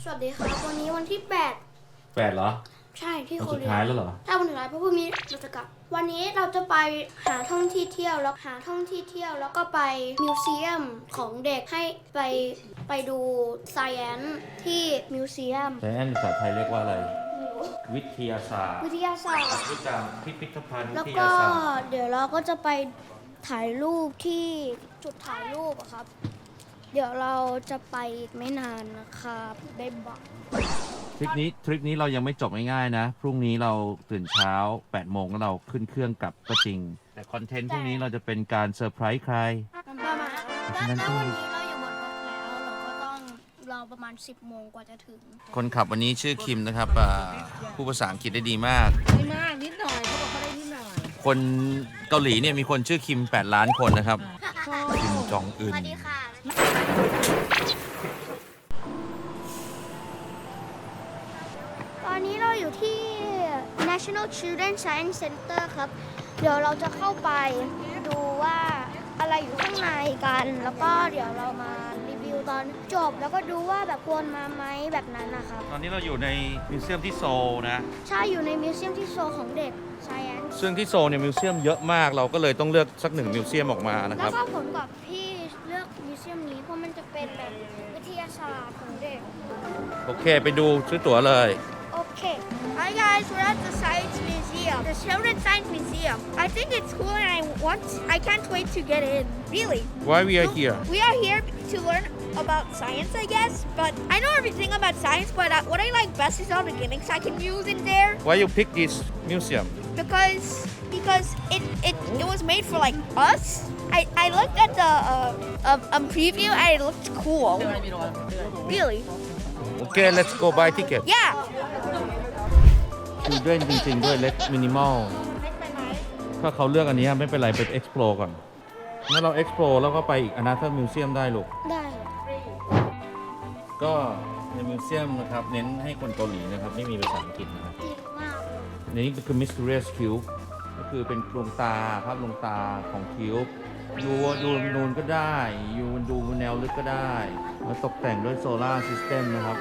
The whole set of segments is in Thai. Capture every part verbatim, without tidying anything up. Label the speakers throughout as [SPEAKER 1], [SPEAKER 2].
[SPEAKER 1] วัสดีครับวันนี้วันที่แปด
[SPEAKER 2] แปดเหรอ
[SPEAKER 1] ใช่ที่
[SPEAKER 2] วัน
[SPEAKER 1] โค
[SPEAKER 2] สุด
[SPEAKER 1] เรีย
[SPEAKER 2] ท้ายแล้วเหรอ
[SPEAKER 1] ถ้าวันสุดท้ายเพราะพรุ่งนี้เราจะกลับวันนี้เราจะไปหาท่องที่เที่ยวแล้วหาท่องที่เที่ยวแล้วก็ไปมิวเซียมของเด็กให้ไปไปดู Science ที่มิวเซียม
[SPEAKER 2] ใช้แอนภาษาไทยเรียกว่าอะไร วิทยาศาสตร์
[SPEAKER 1] วิทยาศาสตร์
[SPEAKER 2] วิจารณ์พิพิธภัณฑ์วิ
[SPEAKER 1] แล้ว
[SPEAKER 2] ท
[SPEAKER 1] ก็
[SPEAKER 2] ยาศาสตร์
[SPEAKER 1] เดี๋ยวเราก็จะไปถ่ายรูปที่จุดถ่ายรูปอะครับ เดี๋ยวเราจะไปอีกไม่นานนะครับได้บอก
[SPEAKER 2] ทริปนี้ทริปนี้เรายังไม่จบง่ายๆนะ พรุ่งนี้เราตื่นเช้าแปดโมงแล้วเราขึ้นเครื่องกลับก็จริง แต่คอนเทนต์พรุ่งนี้เราจะเป็นการเซอร์ไพรส์ใคร
[SPEAKER 1] ประมาณแล้วแล้ววันนี้เราอยู่บนรถแล้วเราก็ต้องรอประมาณสิบโมงกว่าจะถึง
[SPEAKER 2] คนขับวันนี้ชื่อคิมนะครับผู้ภาษาอังกฤษได้ดีมาก
[SPEAKER 3] ไม่มากนิดหน่อยเขาบอกเขาได้นิดหน่อย
[SPEAKER 2] คนเกาหลีเนี่ยมีคนชื่อคิมแปดล้านคนนะครับคิมจองอึน
[SPEAKER 1] สวัสดีค่ะ ตอนนี้เราอยู่ที่ National Children Science Center ครับ เดี๋ยวเราจะเข้าไปดูว่าอะไรอยู่ข้างในกัน แล้วก็เดี๋ยวเรามารีวิวตอนจบ แล้วก็ดูว่าแบบควรมาไหมแบบนั้นนะครับ
[SPEAKER 2] ตอนนี้เราอยู่ในมิวเซียมที่โซลนะ
[SPEAKER 1] ใช่อยู่ในมิวเซียมที่โซลของเด็ก Science
[SPEAKER 2] ซึ่งที่โซลเนี่ยมิวเซียมเยอะมากเราก็เลยต้องเลือกสักหนึ่งมิวเซียมออกมานะค
[SPEAKER 1] แล้
[SPEAKER 2] รั
[SPEAKER 1] ว
[SPEAKER 2] บ
[SPEAKER 1] ก็ผมกับพี่เลือกมิวเซียมนี้เพราะมันจะเป็นแบบวิทยาศาสตร์ของเด็ก
[SPEAKER 2] โอเคไปดูซื้อตั๋วเลย
[SPEAKER 1] Okay. Hi guys, we're at the Science Museum, the Children's Science Museum. I think it's cool and I want, I can't wait to get in. Really.
[SPEAKER 2] Why we are here
[SPEAKER 1] We are here to learn about science, I guess. But I know everything about science, but uh, what I like best is all the gimmicks I can use in there.
[SPEAKER 2] Why you pick this museum
[SPEAKER 1] Because because it it, it was made for like us. I, I looked at the uh, um, um, preview and it looked cool. Really.
[SPEAKER 2] Okay let's go buy ticket
[SPEAKER 1] Yeah.
[SPEAKER 2] Children จริงๆด้วย Let Minimal ถ้าเขาเลือกอันนี้ไม่เป็นไรไป explore ก่อนงั้นเรา explore แล้วก็ไปอีก another museum ได้ลูก
[SPEAKER 1] ได้
[SPEAKER 2] ก็ในมิวเซียมนะครับเน้นให้คนเกาหลีนะครับไม่มีภาษาอังกฤษนะครับ
[SPEAKER 1] ดีมาก
[SPEAKER 2] ในนี้ก็คือ Mysterious Cube ก็คือเป็นดวงตาภาพดวงตาของคิวบ์ดูดูนูนก็ได้ยูดูแนวลึกก็ได้แล้วตกแต่งด้วยโซลาร์ซิสเต็มนะครับ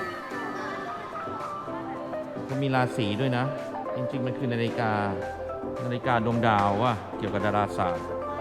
[SPEAKER 2] ก็มีราศีด้วยนะ จริงๆ มันคือนาฬิกา นาฬิกาดวงดาวว่ะเกี่ยวกับดาราศาสตร์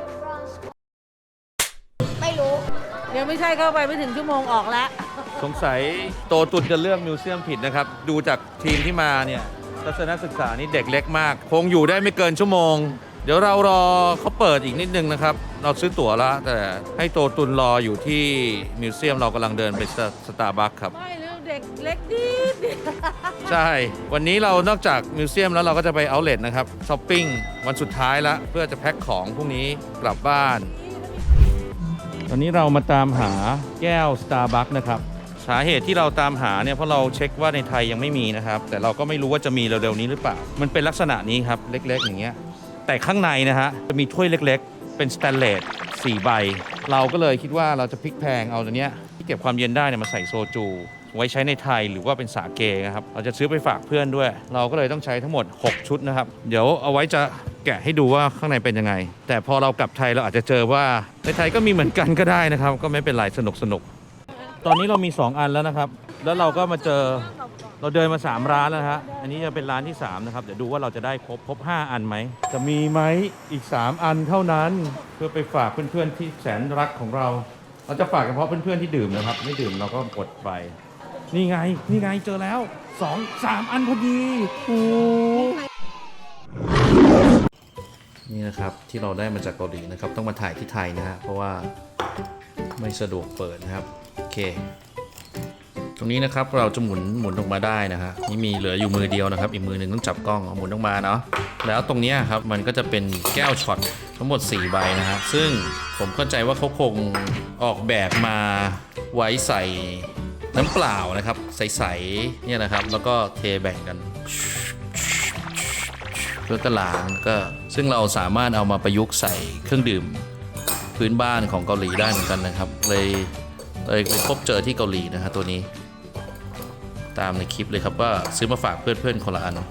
[SPEAKER 1] ไม่รู้
[SPEAKER 3] เดี๋ยวไม่ใช่เข้าไปไม่ถึงชั่วโมงออกแล้ว
[SPEAKER 2] สงสัยโตตุนจะเลือกมิวเซียมผิดนะครับ ดูจากทีมที่มาเนี่ยทัศนศึกษานี่เด็กเล็กมาก คงอยู่ได้ไม่เกินชั่วโมง เดี๋ยวเรารอเขาเปิดอีกนิดนึงนะครับ เราซื้อตั๋วแล้ว แต่ให้โตตุนรออยู่ที่มิวเซียมเรากำลังเดินไปสตาร์บัคครับ
[SPEAKER 3] ไม่เรื่องเด็กเล็กดีดี
[SPEAKER 2] ใช่ วันนี้เรานอกจากมิวเซียมแล้วเราก็จะไปเอาท์เลทนะครับช้อปปิ้งวันสุดท้ายแล้วเพื่อจะแพ็คของพรุ่งนี้กลับบ้าน ตอนนี้เรามาตามหาแก้ว Starbucks นะครับ สาเหตุที่เราตามหาเนี่ยเพราะเราเช็คว่าในไทยยังไม่มีนะครับ แต่เราก็ไม่รู้ว่าจะมีเร็วๆนี้หรือเปล่า มันเป็นลักษณะนี้ครับ เล็กๆอย่างเงี้ย แต่ข้างในนะฮะจะมีถ้วยเล็กๆ เป็นสแตนเลสสี่ใบ เราก็เลยคิดว่าเราจะพลิกแพลงเอาตัวเนี้ยที่เก็บความเย็นได้เนี่ยมาใส่โซจู ไว้ใช้ในไทยหรือว่าเป็นสาเกนะครับ เราจะซื้อไปฝากเพื่อนด้วย เราก็เลยต้องใช้ทั้งหมดหกชุดนะครับ เดี๋ยวเอาไว้จะแกะให้ดูว่าข้างในเป็นยังไง แต่พอเรากลับไทยเราอาจจะเจอว่าในไทยก็มีเหมือนกันก็ได้นะครับ ก็ไม่เป็นไรสนุกสนุกตอนนี้เรามีสองอันแล้วนะครับ แล้วเราก็มาเจอเราเดินมาสามร้านแล้วนะฮะอันนี้จะเป็นร้านที่สามนะครับเดี๋ยวดูว่าเราจะได้ครบครบห้าอันไหมจะมีไหมอีกสามอันเท่านั้นเพื่อไปฝากเพื่อนๆที่แสนรักของเรา เราจะฝากเฉพาะเพื่อนๆที่ดื่มนะครับไม่ดื่มเราก็อดไปนี่ไงนี่ไงเจอแล้วสองสามอันพอดีโอ้นี่นะครับที่เราได้มาจากเกาหลีนะครับต้องมาถ่ายที่ไทยนะฮะเพราะว่าไม่สะดวกเปิดนะครับโอเคตรงนี้นะครับเราจะหมุนหมุนออกมาได้นะฮะนี่มีเหลืออยู่มือเดียวนะครับอีกมือหนึ่งต้องจับกล้องเอาหมุนออกมาเนาะแล้วตรงนี้ครับมันก็จะเป็นแก้วช็อตทั้งหมดสี่ใบนะฮะซึ่งผมเข้าใจว่าเขาคงออกแบบมาไว้ใส่น้ำเปล่านะครับใสๆเนี่ยนะครับแล้วก็เทแบ่งกันเพื่อกระล้างก็ซึ่งเราสามารถเอามาประยุกต์ใส่เครื่องดื่มพื้นบ้านของเกาหลีได้เหมือนกันนะครับเลยเลยไปพบเจอที่เกาหลีนะฮะตัวนี้ตามในคลิปเลยครับว่าซื้อมาฝากเพื่อนๆคนละอัน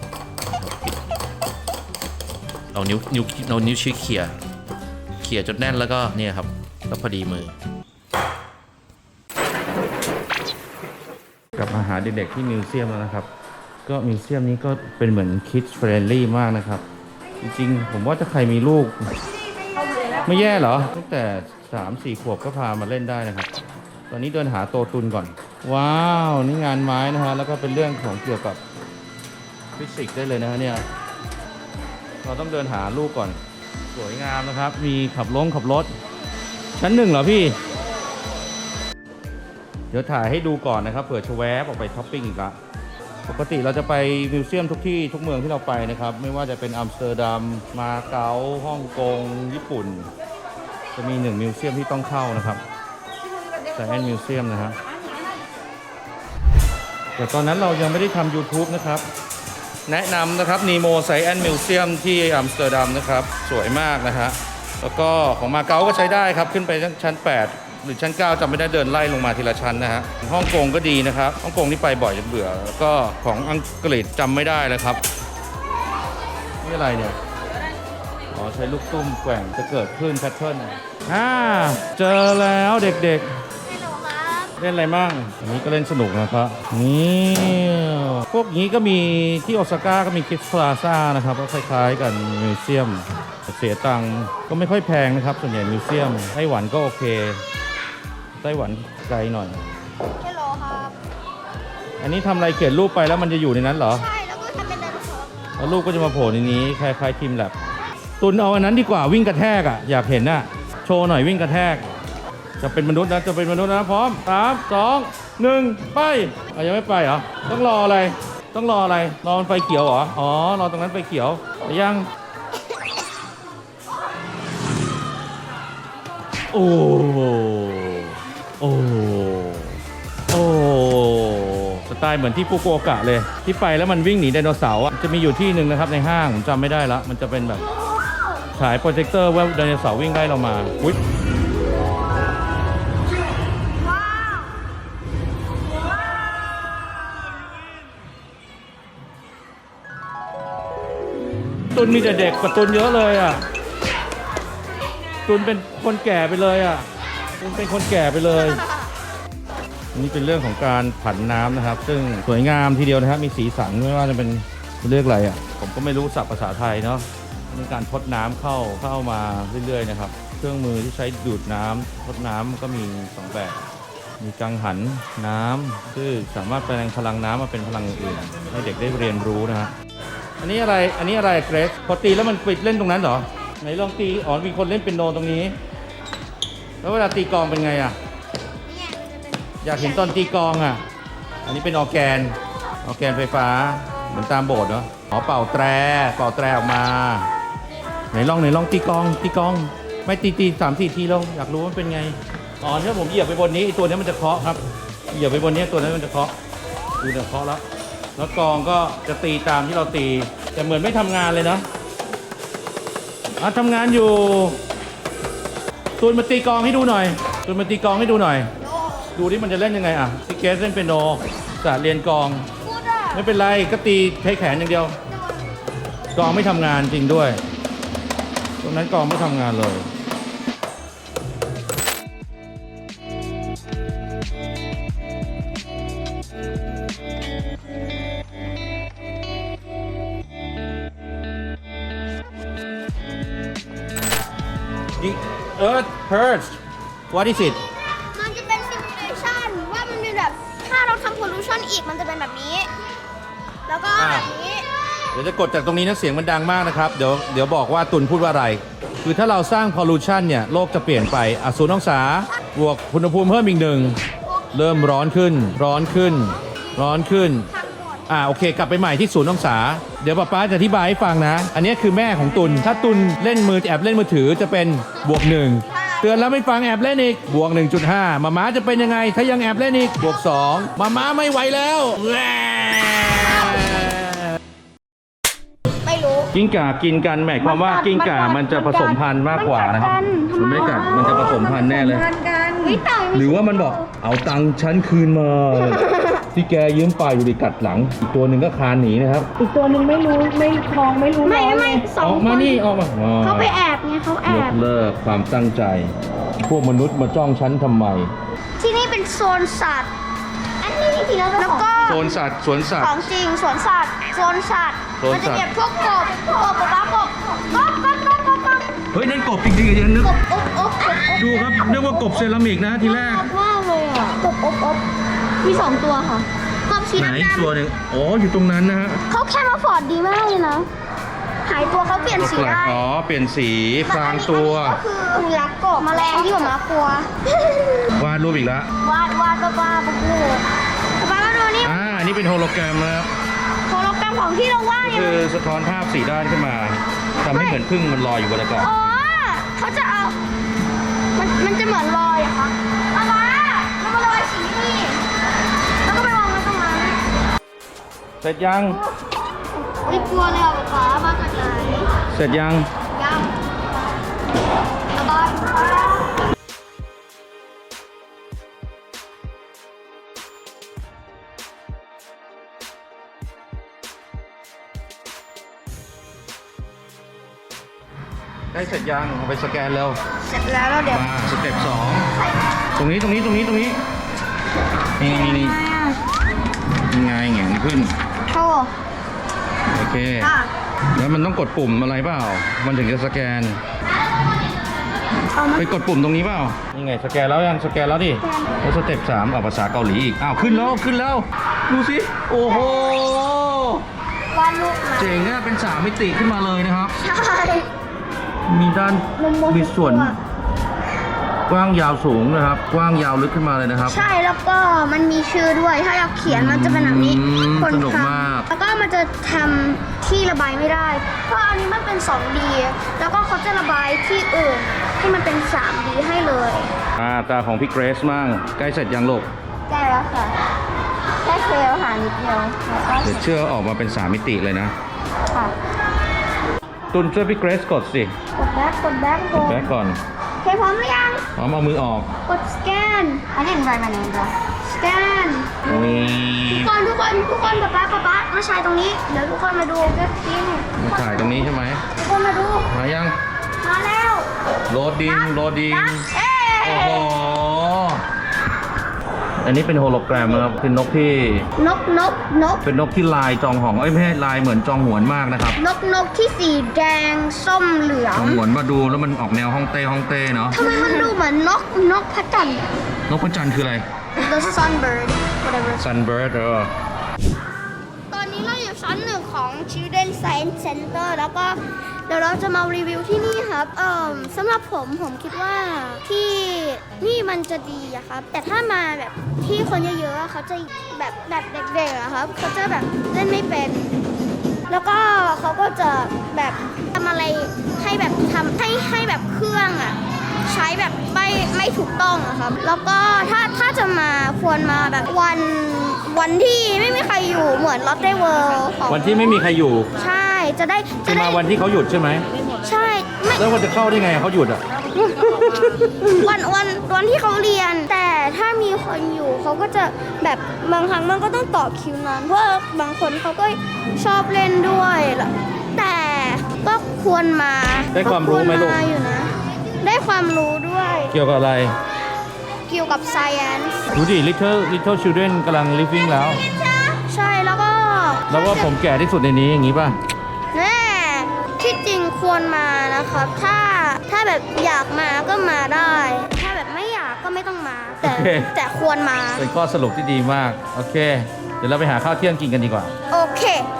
[SPEAKER 2] เอานิ้วนิ้วเอานิ้วชี้เขี่ยเขี่ยจนแน่นแล้วก็เนี่ยครับแล้วพอดีมือกลับมาหาเด็กๆที่มิวเซียมแล้วนะครับ ก็มิวเซียมนี้ก็เป็นเหมือนคิดเฟรนลี่มากนะครับ จริงๆผมว่าถ้าใครมีลูก ไม่แย่เหรอตั้งแต่สามสี่ขวบก็พามาเล่นได้นะครับ ตอนนี้เดินหาโตตุนก่อน ว้าวนี่งานไม้นะฮะแล้วก็เป็นเรื่องของเกี่ยวกับฟิสิกส์ได้เลยนะฮะเนี่ยเราต้องเดินหาลูกก่อนสวยงามนะครับ มีขับลงขับรถชั้นหนึ่งเหรอพี่ เดี๋ยวถ่ายให้ดูก่อนนะครับเผื่อจะแวบออกไปช้อปปิ้งอีกละปกติเราจะไปมิวเซียมทุกที่ทุกเมืองที่เราไปนะครับไม่ว่าจะเป็นอัมสเตอร์ดัมมาเก๊าฮ่องกงญี่ปุ่นจะมีหนึ่งมิวเซียมที่ต้องเข้านะครับไซแอนมิวเซียมนะฮะแต่ตอนนั้นเรายังไม่ได้ทำ YouTube นะครับแนะนำนะครับนีโมไซแอนมิวเซียมที่อัมสเตอร์ดัมนะครับสวยมากนะฮะแล้วก็ของมาเก๊าก็ใช้ได้ครับขึ้นไปชั้นแปดหรือชั้นเก้าจำไม่ได้เดินไล่ลงมาทีละชั้นนะฮะฮ่องกงก็ดีนะครับฮ่องกงนี่ไปบ่อยจนเบื่อแล้วก็ของอังกฤษจำไม่ได้แล้วครับนี่อะไรเนี่ยอ๋อใช้ลูกตุ้มแกว่งจะเกิดขึ้นแพทเทิร์นอ่าเจอแล้วเด็กๆเล่นอะไรมั่งอันนี้ก็เล่นสนุกนะครับนี่พวกนี้ก็มีที่โอซาก้าก็มีคิดพลาซ่านะครับก็คล้ายๆกันมิวเซียมเสียตังค์ก็ไม่ค่อยแพงนะครับส่วนใหญ่มิวเซียมไต้หวันก็โอเคไต้หวันไกลหน่อย
[SPEAKER 1] ฮัลโหลครับ
[SPEAKER 2] อันนี้ทำอะไรเขียนรูปไปแล้วมันจะอยู่ในนั้นเหรอ
[SPEAKER 1] ใช่แล้วก็ทำเป็นไดโนเสาร์
[SPEAKER 2] แล้วรูปก็จะมาโผล่ในนี้คล้ายๆทีมแลบตุนเอาอันนั้นดีกว่าวิ่งกระแทกอ่ะอยากเห็นน่ะโชว์หน่อยวิ่งกระแทกจะเป็นมนุษย์นะจะเป็นมนุษย์นะพร้อมสามสองหนึ่งไปอ่ะยังไม่ไปเหรอต้องรออะไรต้องรออะไรรอมันไฟเขียวเหรออ๋อรอตรงนั้นไฟเขียวแต่ยังโอ้โอ้โอ้สไตล์เหมือนที่ฟุกุโอกะเลยที่ไปแล้วมันวิ่งหนีไดโนเสาร์จะมีอยู่ที่หนึ่งนะครับในห้างผมจำไม่ได้ละมันจะเป็นแบบฉายโปรเจคเตอร์ว่าไดโนเสาร์วิ่งไล่เรามาอุ๊ยตุนมีแต่เด็กกว่าตุนเยอะเลยอ่ะตุนเป็นคนแก่ไปเลยอ่ะตุนเป็นคนแก่ไปเลยนี่เป็นเรื่องของการผันน้ำนะครับซึ่งสวยงามทีเดียวนะครับมีสีสันไม่ว่าจะเป็นเรียกอะไรอ่ะผมก็ไม่รู้ศัพท์ภาษาไทยเนาะเป็นการทดน้ำเข้าเข้ามาเรื่อยๆนะครับเครื่องมือที่ใช้ดูดน้ำทดน้ำก็มีสองแบบมีกังหันน้ำซึ่งสามารถแปลงพลังน้ำมาเป็นพลังอื่นๆให้เด็กได้เรียนรู้นะฮะอันนี้อะไรอันนี้อะไรเกรซพอตีแล้วมันปิดเล่นตรงนั้นเหรอไหนลองตีอ๋อมีคนเล่นเปียโนตรงนี้แล้วเวลาตีกลองเป็นไงอ่ะอยากเห็นตอนตีกลองอ่ะอันนี้เป็นออร์แกนออร์แกนไฟฟ้าเหมือนตามโบสถ์เนาะอ๋อเป่าแตรเป่าแตรออกมาไหนลองไหนลองตีกลองตีกลองไม่ตีตีสามสี่ทีลงอยากรู้ว่าเป็นไงอ๋อถ้าผมเหยียบไปบนนี้ตัวนี้มันจะเคาะครับเหยียบไปบนนี้ตัวนั้นมันจะเคาะดูเดี๋ยวเคาะแล้วแล้วกลองก็จะตีตามที่เราตีแต่เหมือนไม่ทำงานเลยนะอ่ะทำงานอยู่ตูนมาตีกลองให้ดูหน่อยตูนมาตีกลองให้ดูหน่อยดูที่มันจะเล่นยังไงอ่ะซิเกสเล่นเปียโนสาเรียนกลองไม่เป็นไรก็ตีใช้แขนอย่างเดียวกลองไม่ทำงานจริงด้วยตรงนั้นกลองไม่ทำงานเลย The Earth hurts What is it
[SPEAKER 1] มันจะเป็นซิมูเลชันว่ามันเป็นแบบถ้าเราทำ pollution อีกมันจะเป็นแบบนี้แล้วก็แบบนี้
[SPEAKER 2] เดี๋ยวจะกดจากตรงนี้นะเสียงมันดังมากนะครับเดี๋ยวเดี๋ยวบอกว่าตุนพูดว่าอะไรคือถ้าเราสร้าง pollution เนี่ยโลกจะเปลี่ยนไปอ่ะศูนย์องศาบวกอุณหภูมิเพิ่มอีกหนึ่งเริ่มร้อนขึ้นร้อนขึ้นร้อนขึ้นอ่าโอเคกลับไปใหม่ที่ศูนย์องศาเดี๋ยวป๊าป๊าจะอธิบายให้ฟังนะอันนี้คือแม่ของตุนถ้าตุนเล่นมือแอบเล่นมือถือจะเป็นบวกหนึ่งเตือนแล้วไม่ฟังแอบเล่นอีกบวก หนึ่งจุดห้า มาม้าจะเป็นยังไงถ้ายังแอบเล่นอีกบวกสองมาม้าไม่ไหวแล้ว
[SPEAKER 1] ไม่รู้
[SPEAKER 2] กิ้งก่ากินกันหมายความว่ากิ้งก่ามันจะผสมพันธุ์มากกว่านะครับมันไม่กัดมันจะผสมพันธุ์แน่เลยหรือว่ามันบอกเอาตังค์ฉันคืนมาที่แกยืมไปอยู่ดีกัดหลังอีกตัวหนึ่งก็คานหนีนะครับ
[SPEAKER 3] อีกตัวหนึ่งไม่รู้ไม่คลองไม่รู้
[SPEAKER 1] ไม่ไม่สอง
[SPEAKER 2] ออกมานี่ออกมา
[SPEAKER 1] เขาไปแอบไงเขาแอบ
[SPEAKER 2] ยกเลิกความตั้งใจพวกมนุษย์มาจ้องฉันทำไม
[SPEAKER 1] ที่นี่เป็นโซนสัตว์อันนี้จริงๆแล้ว
[SPEAKER 2] โซนสัตว์สวนสัต
[SPEAKER 1] ข
[SPEAKER 2] ว์
[SPEAKER 1] องจริงสวนสัตว์โซนสัตว์
[SPEAKER 2] โซน
[SPEAKER 1] มั
[SPEAKER 2] สัตว์
[SPEAKER 1] จะเก็บพวกกบกบปลากบกบกบกบกบกบ
[SPEAKER 2] เฮ้ยนั่นกบจริงๆอย่างนึก
[SPEAKER 1] กบอบอบกบอบ
[SPEAKER 2] ดูครับนึกว่ากบเซรามิกนะทีแรก
[SPEAKER 1] มากเลยอ่ะกบอบอบมีสองตัวค่ะกบสี
[SPEAKER 2] ไหน
[SPEAKER 1] ดำ
[SPEAKER 2] อีกตัวหนึ่งอ๋ออยู่ตรงนั้นนะฮะ
[SPEAKER 1] ๆเขาแค่มาฟอร์ดดีมากเลยนะหายตัวเขาเปลี่ยนสี
[SPEAKER 2] แปลก
[SPEAKER 1] ได้
[SPEAKER 2] อ๋อเปลี่ยนสีพรางตัว
[SPEAKER 1] ก็คือรักกบแมลงที่ผมรักกลัว
[SPEAKER 2] วาดรูปอีกแล้ว
[SPEAKER 1] วาดวาดบ้าบ้าปุ๊บปุ๊บมามาดูนี่
[SPEAKER 2] อ่าอันนี้เป็นโฮโลแกรมนะครับ
[SPEAKER 1] โฮโลแกรมของที่เราวาด
[SPEAKER 2] ก็
[SPEAKER 1] เนี่ย
[SPEAKER 2] คือสะท้อนภาพสีด้านขึ้นมาทำให้เหมือนพึ่งมันลอยอยู่บนอากาศ
[SPEAKER 1] อ๋อเขาจะเอา มันมันจะเหมือนลอยอะคะเอามาแล้วมาลอยสีนี่แล้วก็ไปวางไว้ตรงนั้น
[SPEAKER 2] เสร็จยัง
[SPEAKER 1] ไม่กลัวเลยอ่ะป๊ามาจากไหน
[SPEAKER 2] เสร็จยัง
[SPEAKER 1] ยังเอาบ้าน
[SPEAKER 2] ได้เสร็จยังเอาไปสแกนเร็ว
[SPEAKER 1] เสร็จแล้วแล้วเดี๋ยว
[SPEAKER 2] มาสเต็ปสอง
[SPEAKER 1] ใส่
[SPEAKER 2] ตรงนี้ตรงนี้ตรงนี้ตรงนี้นี่นี่นี่ยังไงแหงนขึ้น
[SPEAKER 1] โชว์
[SPEAKER 2] โอเค
[SPEAKER 1] อ่ะ
[SPEAKER 2] แล้วมันต้องกดปุ่มอะไรเปล่า มันถึงจะสแกน
[SPEAKER 1] เอามา
[SPEAKER 2] ไปกดปุ่มตรงนี้เปล่า นี่ไงสแกนแล้วยังสแกนแล้วดิแล้วสเต็ปสามเอาภาษาเกาหลีอีก อ้าวขึ้นแล้วขึ้นแล้ว ดูสิ โอ้โห
[SPEAKER 1] วาดรูปมา
[SPEAKER 2] เจ๋งอะเป็นสามมิติขึ้นมาเลยนะครับ
[SPEAKER 1] ใช่
[SPEAKER 2] มีด้าน
[SPEAKER 1] มุมมอง
[SPEAKER 2] มีส่วน
[SPEAKER 1] ตัว
[SPEAKER 2] กว้างยาวสูงนะครับ กว้างยาวลึกขึ้นมาเลยนะครับ
[SPEAKER 1] ใช่แล้วก็มันมีชื่อด้วย ถ้าเราเขียนมันจะเป็นแบบนี้
[SPEAKER 2] อืม
[SPEAKER 1] คน
[SPEAKER 2] สนุก
[SPEAKER 1] ท
[SPEAKER 2] มาก
[SPEAKER 1] ำแล้วก็มันจะทำที่ระบายไม่ได้ เพราะอันนี้มันเป็น สองดี แล้วก็เขาจะระบายที่อื่นที่มันเป็น สามดี ให้เลย
[SPEAKER 2] อ่าตาของพี่เกรซมั่งใกล้เสร็จยังลูก
[SPEAKER 1] ได้แล้วค่ะแค่เซลล์หานิดเดียวแล้วก็
[SPEAKER 2] เดี๋ยวเชื่อออกมาเป็นสามมิติเลยนะ
[SPEAKER 1] ค่ะ
[SPEAKER 2] ตุนช่วยพี่เกรซกดสิ
[SPEAKER 1] กดแบ็กกดแบ็กกด
[SPEAKER 2] แบ็กก่อน
[SPEAKER 1] โอเคพร้อมหรือยัง
[SPEAKER 2] พร้อมเอามือออก
[SPEAKER 1] กดสแกนอันนี้เป็นไรมาเนี่ยจ้ะสแกน
[SPEAKER 2] นี่
[SPEAKER 1] ทุกคนทุกคนทุกคนป๊าป๊าป๊าป๊ามาใช้ตรงนี้ เดี๋ยวทุกคนมาดูเก็บจริง
[SPEAKER 2] มาถ่ายตรงนี้ใช่ไหม
[SPEAKER 1] ทุกคนมาดู
[SPEAKER 2] มายัง
[SPEAKER 1] มาแล้ว
[SPEAKER 2] โหลดดิ้งโหลดดิ้ง
[SPEAKER 1] นับเอ๊
[SPEAKER 2] โอ้โห อันนี้เป็นโฮโลแกรมนะครับเป็นนกที่
[SPEAKER 1] นกนกนก
[SPEAKER 2] เป็นนกที่ลายจองหองเอ้ยไม่ใช่ลายเหมือนจองหวนมากนะครับ
[SPEAKER 1] นกนกที่สีแดงส้มเหลือ
[SPEAKER 2] จ
[SPEAKER 1] ง
[SPEAKER 2] องหวนมาดูแล้วมันออกแนวฮ่องเต้ฮ่องเต้เนาะ
[SPEAKER 1] ทำไมมันดูเหมือนนกนกพระจันทร์
[SPEAKER 2] นกพระจันทร์คืออะไร
[SPEAKER 1] The sunbird whatever
[SPEAKER 2] Sunbird เออ
[SPEAKER 1] ตอนนี้เราอยู่ชั้นหนึ่งของ Children Science Center แล้วก็เดี๋ยวเราจะมารีวิวที่นี่ครับ เอ่อสำหรับผมผมคิดว่าที่นี่มันจะดีอะครับ แต่ถ้ามาแบบที่คนเยอะๆอะเขาจะแบบแบบเด็กๆอะครับเขาจะแบบเล่นไม่เป็น แล้วก็เขาก็จะแบบทำอะไรให้แบบทำให้ให้แบบเครื่องอะใช้แบบไม่ไม่ถูกต้องอะครับ แล้วก็ถ้าถ้าจะมาควรมาแบบวันวันที่ไม่มีใครอยู่เหมือน Lotte World ของ
[SPEAKER 2] วันที่ไม่มีใครอยู่
[SPEAKER 1] ใช่จะได้
[SPEAKER 2] จะ
[SPEAKER 1] จะได้
[SPEAKER 2] มาวันที่เขาหยุดใช่ไหม
[SPEAKER 1] ใช่ไม่
[SPEAKER 2] แล้ววันจะเข้าได้ไงเขาหยุดอ่ะ
[SPEAKER 1] วันวันวันที่เขาเรียน แต่ถ้ามีคนอยู่เขาก็จะแบบบางครั้งมันก็ต้องต่อคิวนานเพราะว่าบางคนเขาก็ชอบเล่นด้วยแต่ก็ควรมา
[SPEAKER 2] ได้ความรู้ไหมลูก
[SPEAKER 1] ควรอยู่นะได้ความรู้ด้วย
[SPEAKER 2] เกี่ยวกับอะไร
[SPEAKER 1] เกี่ยวกับ science
[SPEAKER 2] ดูดิ little little children กำลัง living แล้ว
[SPEAKER 1] ใช่แล้วก็
[SPEAKER 2] แล้วว่าผมแก่ที่สุดในนี้อย่างนี้ป่ะ
[SPEAKER 1] แน่ที่จริงควรมานะครับ ถ้าถ้าแบบอยากมาก็มาได้ ถ้าแบบไม่อยากก็ไม่ต้องมา แต่
[SPEAKER 2] โอเค
[SPEAKER 1] แต่ควรมา
[SPEAKER 2] เป็นข้อสรุปที่ดีมาก โอเค เดี๋ยวเราไปหาข้าวเที่ยงกินกันดีกว่า
[SPEAKER 1] โอเค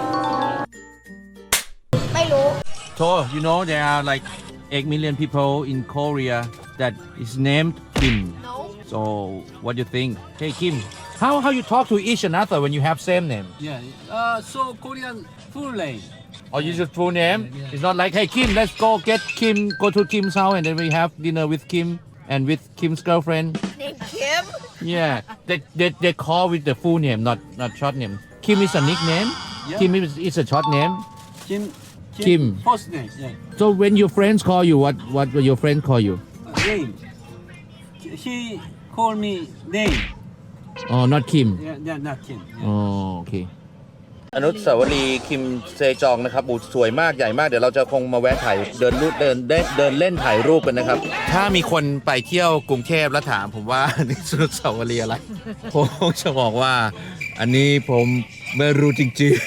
[SPEAKER 1] ไม่รู้
[SPEAKER 2] So you know there are like eight million people in Korea that is named Kim. No. So what do you think? Hey Kim, how how you talk to each another when you have same name?
[SPEAKER 4] Yeah. Uh, so Korean full name.
[SPEAKER 2] Or you just full name? It's not like hey Kim, let's go get Kim, go to Kim's house and then we have dinner with Kim and with Kim's girlfriend.
[SPEAKER 1] Name Kim
[SPEAKER 2] Yeah, they they, they call with the full name, not not short name. Kim is a nickname.
[SPEAKER 4] Yeah.
[SPEAKER 2] Kim is, is a short name.
[SPEAKER 4] Kim.
[SPEAKER 2] Kim.
[SPEAKER 4] First name. Yeah.
[SPEAKER 2] So when your friends call you, what what will your friends call you?
[SPEAKER 4] Uh, name. He call me name.
[SPEAKER 2] Oh, not Kim.
[SPEAKER 4] Yeah. Yeah. Not Kim. Yeah.
[SPEAKER 2] อ๋อโอเค อนุสาวรีย์คิมเซจองนะครับบูสวยมากใหญ่มากเดี๋ยวเราจะคงมาแวะถ่ายเดินรูปเดินได้เดินเล่นถ่ายรูปกันนะครับ ถ้ามีคนไปเที่ยวกรุงเทพแล้วถามผมว่า นี่อนุสาวรีย์อะไรผมจะบอกว่าอันนี้ผมไม่รู้จริง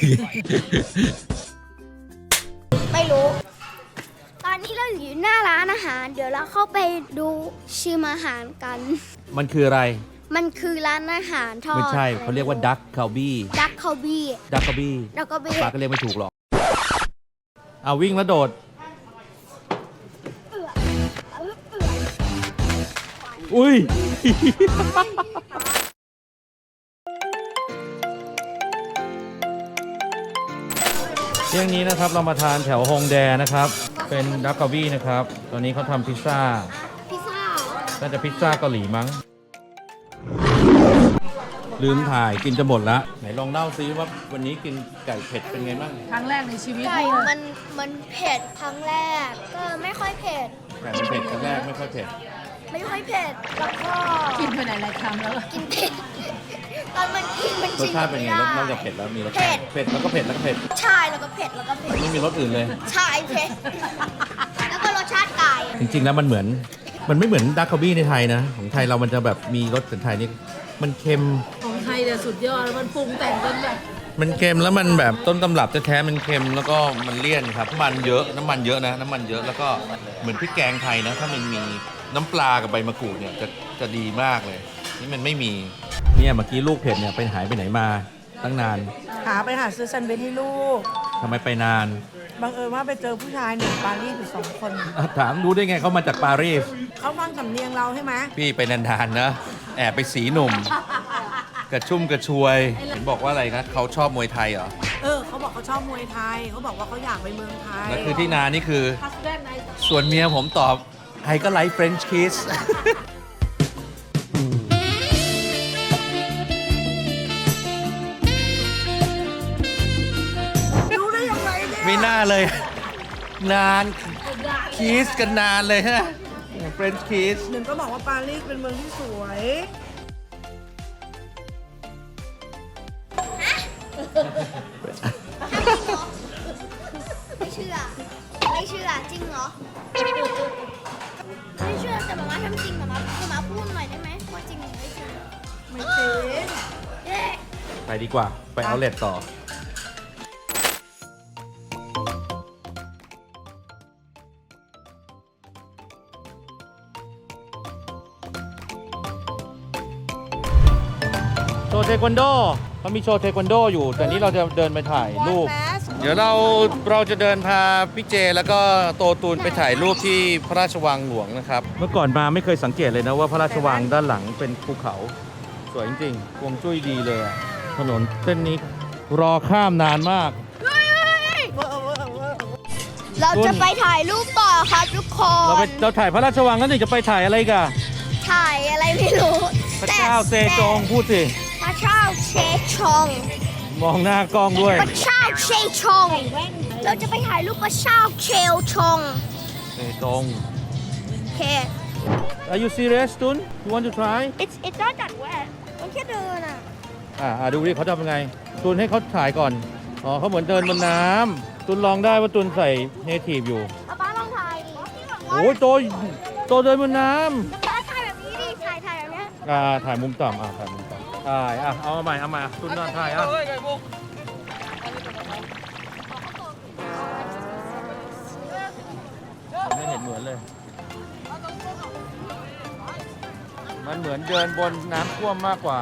[SPEAKER 1] ไม่รู้ ตอนนี้เราอยู่หน้าร้านอาหาร เดี๋ยวเราเข้าไปดูชิมอาหารกัน
[SPEAKER 2] ๆ มันคืออะไร
[SPEAKER 1] มันคือร้านอาหารทอด
[SPEAKER 2] ไม่ใช่เขาเรียกว่าดักคาบี้
[SPEAKER 1] ดักคาบี้
[SPEAKER 2] ดักคาบี้
[SPEAKER 1] ดักคาบี้
[SPEAKER 2] ปาก็เรียกไม่ถูกหรอกเอาวิ่งแล้วโดด อุ้ย เที่ยงนี้นะครับเรามาทานแถวฮงแดนะครับ เป็นดักคาบี้นะครับ ตอนนี้เขาทำพิซซ่า
[SPEAKER 1] พิซซ่า
[SPEAKER 2] น่าจะพิซซ่าเกาหลีมั้ง ลืมถ่ายกินจะหมดละไหนลองเล่าซิว่าวันนี้กินไก่เผ็ดเป็นไงบ้าง
[SPEAKER 3] ครั้งแรกในชีวิต
[SPEAKER 1] ไก่
[SPEAKER 3] เลย
[SPEAKER 1] มันมันเผ็ดครั้งแรก ก็ไม่ค่อยเผ็ด
[SPEAKER 2] ไก่มันเผ็ดครั้งแรกไม่ค่อยเผ็ด
[SPEAKER 1] ไม่ค่อยเผ็ด แล้วก็
[SPEAKER 3] กินไปหลายๆครั้งแล้ว
[SPEAKER 1] กินเผ็ด ตอนมันกินมัน
[SPEAKER 2] รส
[SPEAKER 1] ชิม
[SPEAKER 2] ชาติเป็นไง
[SPEAKER 1] ม่
[SPEAKER 2] นอก
[SPEAKER 1] ด้
[SPEAKER 2] จากเผ็ดแล้วมีรส
[SPEAKER 1] เผ็ด
[SPEAKER 2] เผ็ดแล้วก็เผ็ดแล้วก็เผ็ด
[SPEAKER 1] ใช่แล้วก็เผ็ดแล้วก็เผ็ด
[SPEAKER 2] ไม่มีรสอื่นเลย
[SPEAKER 1] ใช่เผ็ด แล้วก็รสชาติไก่
[SPEAKER 2] จริงๆแล้วมันเหมือน มันไม่เหมือนดักคาบี้ในไทยนะ ของไทยเรามันจะแบบมีรสแต่ไทยนี่มันเค็ม
[SPEAKER 3] ของไทยเนี่ยสุดยอดแล้วมันปรุงแต่งจนแบบ
[SPEAKER 2] มันเค็มแล้วมันแบบต้นตำรับแท้ๆมันเค็มแล้วก็มันเลี่ยนครับน้ำมันเยอะน้ำมันเยอะนะน้ำมันเยอะแล้วก็เหมือนพริกแกงไทยนะ ถ้ามันมีน้ำปลากับใบมะกรูดเนี่ยจะจะดีมากเลย นี่มันไม่มีเนี่ยเมื่อกี้ลูกเผ็ดเนี่ยไปหายไปไหนมาตั้งนาน
[SPEAKER 5] หาไปหาซื้อแซนด์วิชให้ลูก
[SPEAKER 2] ทำไมไปนาน
[SPEAKER 5] บังเอิญว่าไปเจอผู้ชายหนึ่งปารีสอยู่สองคน
[SPEAKER 2] อ่ะถามรู้ได้ไงเขามาจากปารีส
[SPEAKER 5] เขาฟังสำเนียงเราใช่ไหม
[SPEAKER 2] พี่ไปนานๆนะแอบไปสีหนุ่ม กระชุ่มกระชวยเห็นบอกว่าอะไรนะเขาชอบมวยไทยเหรอ
[SPEAKER 5] เออ เขาบอกเขาชอบมวยไทย เขาบอกว่าเขาอยากไปเมืองไทย
[SPEAKER 2] แล้วคือที่นานนี่คือ ส่วนเมียผมตอบไอก็ไลฟ์เฟรนช์คิส
[SPEAKER 5] รู้ได้ยังไงเนี่ย
[SPEAKER 2] ไม่น่าเลย นานคิสกันนานเลยฮะเฟรนช์คิส
[SPEAKER 5] หนึ่งก็บอกว่าปารีสเป็นเมืองที่สวย
[SPEAKER 1] ไม่เชื่อ ไม่เชื่อ จริงเหรอ ไม่เชื่อแต่มาม่าทำจริงมาม่ามาม่าพูดหน่อยได้ไหมว่าจริงหรือไม่จริง
[SPEAKER 5] ไม่จริง
[SPEAKER 1] เย้
[SPEAKER 2] ไปดีกว่า ไปเอาเลทต่อ โชว์เทควันโดเขามีโชว์เทควันโดอยู่ แต่นี้เราจะเดินไปถ่ายรูป เดี๋ยวเราเราจะเดินพาพี่เจแล้วก็โตตูนไปถ่ายรูปที่พระราชวังหลวงนะครับ เมื่อก่อนมาไม่เคยสังเกตเลยนะว่าพระราชวังด้านหลังเป็นภูเขา สวยจริงๆฮวงจุ้ยดีเลยอะถนนเส้นนี้รอข้ามนานมาก
[SPEAKER 1] เราจะไปถ่ายรูปต่อครับทุกค
[SPEAKER 2] เราไป
[SPEAKER 1] น
[SPEAKER 2] เราถ่ายพระราชวังกันนี่จะไปถ่ายอะไรกัน
[SPEAKER 1] ถ่ายอะไรไม่รู้
[SPEAKER 2] พระเจ้าเซจงพูดสิ
[SPEAKER 1] พระเจ้าเชชง
[SPEAKER 2] มองหน้ากล้องด้วย
[SPEAKER 1] พระเจ้าเชชง เราจะไปถ่ายรูปพระเจ้าเชลชง
[SPEAKER 2] เซจง
[SPEAKER 1] โอเค
[SPEAKER 2] Are you serious ตุน You want to try
[SPEAKER 1] it's it's not that wet มันแค่เดินอ่ะ
[SPEAKER 2] อ่าอ่าดูดิเขาทำยังไงตุนให้เขาถ่ายก่อน อ๋อเขาเหมือนเดินบนน้ำตุนลองได้ว่าตุนใส่เนทีฟอยู่
[SPEAKER 1] เอาป้าลองถ่ายดิ
[SPEAKER 2] โอ้ยโตโตเดินบนน้
[SPEAKER 1] ป้าถ่ายแบบนี้ดิ ถ่ายถ่ายแบบเนี้ย
[SPEAKER 2] ำอ่าถ่ายมุมต่ำอ่าถ่ายมุมต่ำถ่ายอ่ะเอามาใหม่เอามาตุนนอนถ่ายอ่ะไม่เห็นเหมือนเลย มันเหมือนเดินบนน้ำท่วมมากกว่า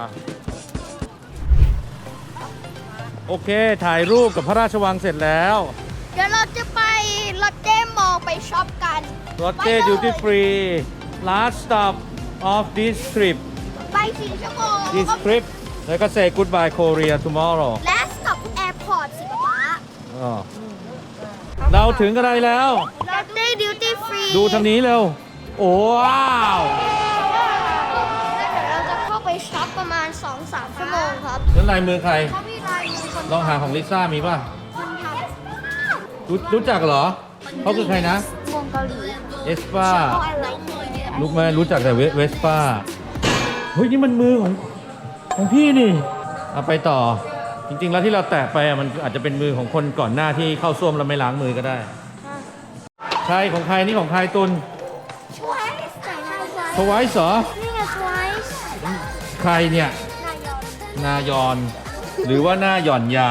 [SPEAKER 2] โอเค ถ่ายรูปกับพระราชวังเสร็จแล้ว
[SPEAKER 1] เดี๋ยวเราจะไปลอตเต้มอลล์ไปช็อปกัน
[SPEAKER 2] รถเต้ดิวตี้ฟรี last stop of this trip
[SPEAKER 1] ไปสี่ชั่วโมง
[SPEAKER 2] this trip แล้วก็ say goodbye Korea tomorrow
[SPEAKER 1] และกลับแอร์พอร์ตสิป๊าป๊า
[SPEAKER 2] อ๋อเราถึงกันได้แล้ว
[SPEAKER 1] ลอตเต้ดิวตี้ฟรี
[SPEAKER 2] ดูทางนี้เร็ว โอ้ว้าว
[SPEAKER 1] แล้วเดี๋ยวเราจะเข้าไปช็อปประมาณ สองถึงสาม ชั่วโมงครับ
[SPEAKER 2] แล้วลายมือใคร
[SPEAKER 1] เขามีลายมือคน
[SPEAKER 2] ลองหาของลิซ่ามีป่ะ
[SPEAKER 1] คนท
[SPEAKER 2] รู้รู้จักเหรอ เขาคือใครนะ
[SPEAKER 1] ำวงเกาหลี
[SPEAKER 2] เอสป้า
[SPEAKER 1] เขาอะไรเนี่ย
[SPEAKER 2] รู้ไหมรู้จักแต่เวเวสป้า เฮ้ย นี่มันมือของของพี่นี่ เอาไปต่อ จริง ๆ แล้วที่เราแตะไปอ่ะมันอาจจะเป็นมือของคนก่อนหน้าที่เข้าส้วมแล้วไม่ล้างมือก็ได้ ใช่ของใครนี่ของใครตุน
[SPEAKER 1] ทวายส์ไหนนายทวาย
[SPEAKER 2] ทวายเหรอ
[SPEAKER 1] นี่ไงทวายส์
[SPEAKER 2] ใครเนี่ย
[SPEAKER 1] นายอน
[SPEAKER 2] นายอนหรือว่าหน้าหย่อนยาน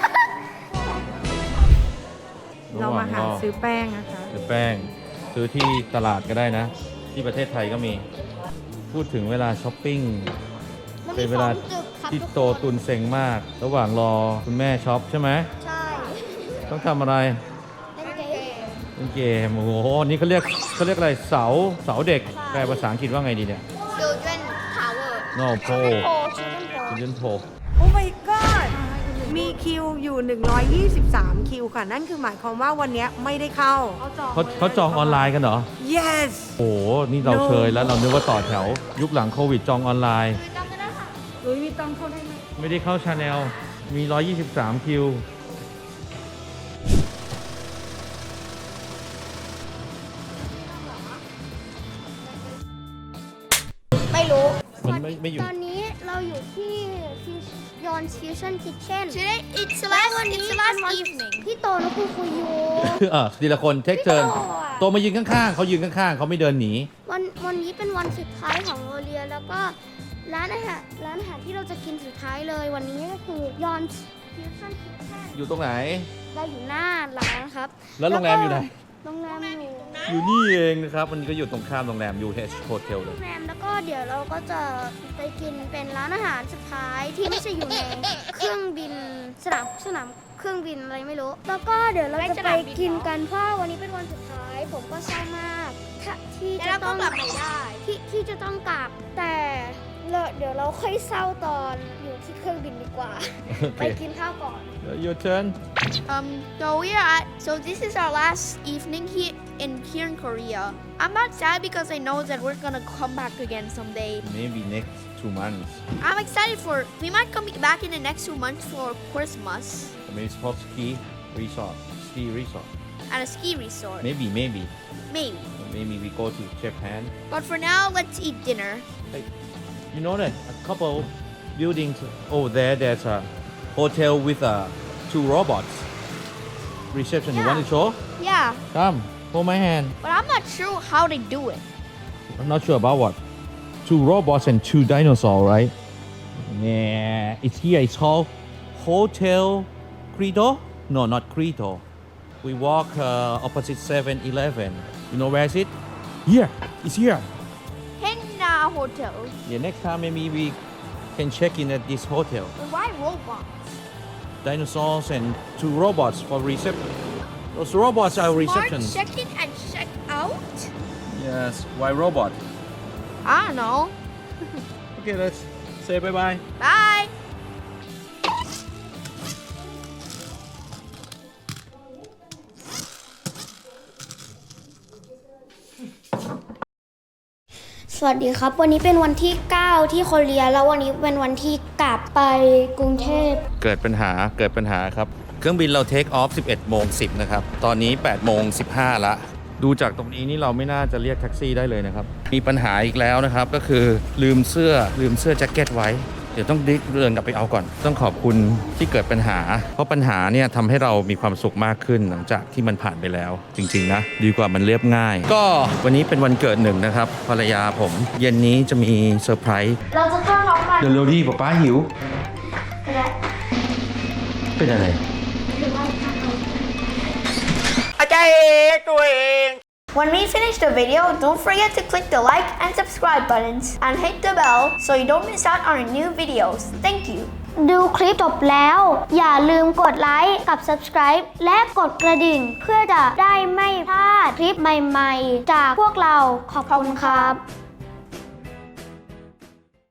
[SPEAKER 5] เรามาหาซื้อแป้งนะคะ
[SPEAKER 2] ซื้อแป้ง ซื้อที่ตลาดก็ได้นะ ที่ประเทศไทยก็มี พูดถึงเวลาช้อปปิ้ง
[SPEAKER 1] มัน
[SPEAKER 2] เป็
[SPEAKER 1] มี
[SPEAKER 2] นเว
[SPEAKER 1] ส
[SPEAKER 2] ลา
[SPEAKER 1] องตึกครับ
[SPEAKER 2] ที่
[SPEAKER 1] ทุก
[SPEAKER 2] โต
[SPEAKER 1] คน
[SPEAKER 2] ตุนเซ็งมาก ระหว่างรอคุณแม่ช็อปใช่ไหม
[SPEAKER 1] ใช่
[SPEAKER 2] ต้องทำอะไร
[SPEAKER 1] เล่นเกม
[SPEAKER 2] เล่นเกม โอ้โห นี่เขาเรียกเขาเรียกอะไร เสา เสาเด็ก แปลภาษาอังกฤษว่าไงดีเนี่ย
[SPEAKER 1] Children Tower
[SPEAKER 2] no p o
[SPEAKER 1] โพชิลเลนโพ
[SPEAKER 2] children p o
[SPEAKER 5] โอ้ my god มีคิวอยู่ หนึ่งร้อยยี่สิบสาม คิวค่ะ นั่นคือหมายความว่าวันนี้ไม่ได้เข้า
[SPEAKER 2] เขาเขาจองออนไลน์กันเหรอ
[SPEAKER 5] yes
[SPEAKER 2] โอ้โห นี่เรา
[SPEAKER 5] No
[SPEAKER 2] เคยแล้วเรานึกว่าต่อแถว ยุคหลังโควิดจองออนไลน์
[SPEAKER 3] หรือมีตังค์เข้าได้ไหม
[SPEAKER 2] ไม่ได้เข้าชาแนล มี หนึ่งร้อยยี่สิบสาม คิว
[SPEAKER 1] ไม่รู้
[SPEAKER 2] มันไม่ไม่อยู่
[SPEAKER 1] ตอนนี้เราอยู่ที่ยอนฟิวชั่นคิทเช่น
[SPEAKER 6] Today it's the last it's the last evening.
[SPEAKER 1] พี่โตและคุณคุยอยู่
[SPEAKER 2] เออทีละคนเทคเทิร์น
[SPEAKER 1] พี่โตอะ
[SPEAKER 2] โตมายืนข้างๆ เขายืนข้างๆ เขาไม่เดินหนี
[SPEAKER 1] วันวันนี้เป็นวันสุดท้ายของโรเลียแล้วก็ร้านอาหารร้านอาหารที่เราจะกินสุดท้ายเลยวันนี้ก็คือยอนฟิวชั่นคิทเช่น
[SPEAKER 2] อยู่ตรงไหน
[SPEAKER 1] เราอยู่หน้าร้านครับ
[SPEAKER 2] แล้วโรงแรมอยู่ไหน
[SPEAKER 1] โรงแรมอยู่
[SPEAKER 2] อยู่นี่เองนะครับ มันก็อยู่ตรงข้ามโรงแรม ยู เอช Hotel เล
[SPEAKER 1] โร
[SPEAKER 2] ย
[SPEAKER 1] งแรมแล้วก็เดี๋ยวเราก็จะไปกินเป็นร้านอาหารสุดท้ายที่ไม่ใช่อยู่ในเครื่องบินสนามสนามเครื่องบินอะไรไม่รู้ แล้วก็เดี๋ยวเราจะไปกินกันเพราะวันนี้เป็นวันสุดท้าย ผมก็เศร้ามากถ้าที่จะต้องกลับไม่ได้ที่ที่จะต้องกลับแต่เราเดี๋ยวเราค่อยเศร้าตอนอยู่ที่เครื่องบินดีกว่า
[SPEAKER 2] โอเค
[SPEAKER 1] ไปกินข้าวก่อน
[SPEAKER 2] Your turn
[SPEAKER 6] Um, so we are at so this is our last evening here in here in Korea. I'm not sad because I know that we're gonna come back again someday.
[SPEAKER 2] maybe next two months
[SPEAKER 6] I'm excited for we might come back in the next two months for Christmas
[SPEAKER 2] maybe spot ski resort ski resort
[SPEAKER 6] at a ski resort.
[SPEAKER 2] maybe maybe
[SPEAKER 6] Maybe.
[SPEAKER 2] maybe we go to Japan
[SPEAKER 6] But for now, let's eat dinner.
[SPEAKER 2] Hey, you know that a couple buildings over there, there's a hotel with uh, two robots. Reception, you want to show?
[SPEAKER 6] Yeah,
[SPEAKER 2] Come, hold my hand.
[SPEAKER 6] but I'm not sure how they do it.
[SPEAKER 2] I'm not sure about what. Two robots and two dinosaurs, right? Yeah, it's here. It's called Hotel Credo. No, not Credo. We walk uh, opposite seven eleven. You know where is it? Here. It's here.
[SPEAKER 6] Henna Hotel.
[SPEAKER 2] Yeah, next time maybe we can check in at this hotel.
[SPEAKER 6] But why robots?
[SPEAKER 2] Dinosaurs and two robots for reception. Those robots are reception.
[SPEAKER 6] Smart check in and check out?
[SPEAKER 2] Yes. Why robot?
[SPEAKER 6] I don't know.
[SPEAKER 2] Okay, let's say bye bye.
[SPEAKER 6] Bye.
[SPEAKER 1] สวัสดีครับ วันนี้เป็นวันที่ เก้า ที่โคเรียแล้ววันนี้เป็นวันที่กลับไปกรุงเทพ
[SPEAKER 2] เกิดปัญหาเกิดปัญหาครับ เครื่องบินเราเทคออฟ สิบเอ็ดโมงสิบ นะครับ ตอนนี้ แปดโมงสิบห้า ละ ดูจากตรงนี้นี่เราไม่น่าจะเรียกแท็กซี่ได้เลยนะครับ มีปัญหาอีกแล้วนะครับ ก็คือลืมเสื้อลืมเสื้อแจ็คเก็ตไว้ เดี๋ยวต้องดิเดินกลับไปเอาก่อน ต้องขอบคุณที่เกิดปัญหา เพราะปัญหาเนี่ยทำให้เรามีความสุขมากขึ้นหลังจากที่มันผ่านไปแล้ว จริงๆนะ ดีกว่ามันเรียบง่าย ก็วันนี้เป็นวันเกิดหนึ่งนะครับ ภรรยาผม เย็นนี้จะมีเซอร์ไพรส์
[SPEAKER 1] เราจะเข้าท้องมัน
[SPEAKER 2] เดี๋ยวเร็วดิป๊าป๊าหิว
[SPEAKER 1] และ
[SPEAKER 2] เป็นอะไร
[SPEAKER 6] When we finish the video, don't forget to click the like and subscribe buttons and hit the bell so you don't miss out on our new videos. Thank you.
[SPEAKER 1] ดูคลิปจบแล้ว อย่าลืมกดไลค์กับ subscribe และกดกระดิ่ง เพื่อจะได้ไม่พลาดคลิปใหม่ๆ จากพวกเราขอบคุณครับ